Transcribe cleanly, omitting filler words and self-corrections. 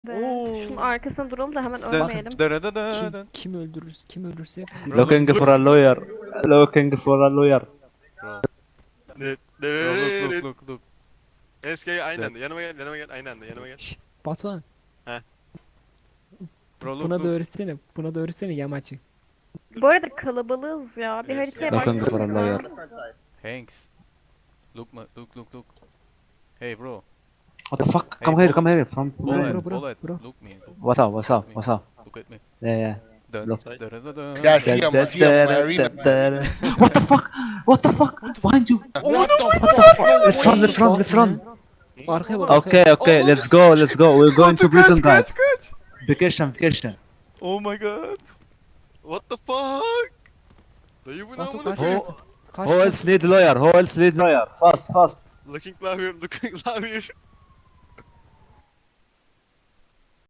Şunun arkasına duralım da hemen Dın, ölmeyelim. dırıdıdıdın. Kim ölürse Bro, Looking for a lawyer. Looking for a lawyer. Bro, bro, look. SK aynı anda yanıma gel aynı anda. Şşş, Batuhan Bro, buna da öğretsene yamaçı. Bu arada kalabalığız ya. Bir Evet, haritaya Looking for a lawyer. baksanıza. Hanks. Look. Hey, bro. What the fuck? Hey, Come here, bullet. come here. From Bullet, bro, bullet. bro. Look me. What's up? Look at me. Yeah. Dun, Look. dırıdıdın. Yeah, I see him. I see him in my arena. What the fuck? What the fuck? Behind you. What the fuck? Let's run. Arkaya bak. Okay, let's go. We're going to prison, guys. Kaç. Vacation. Oh my god. What the fuck? Dayı bu ne Batu amına kaç. koyayım? Who else need lawyer? Fast. Looking louder.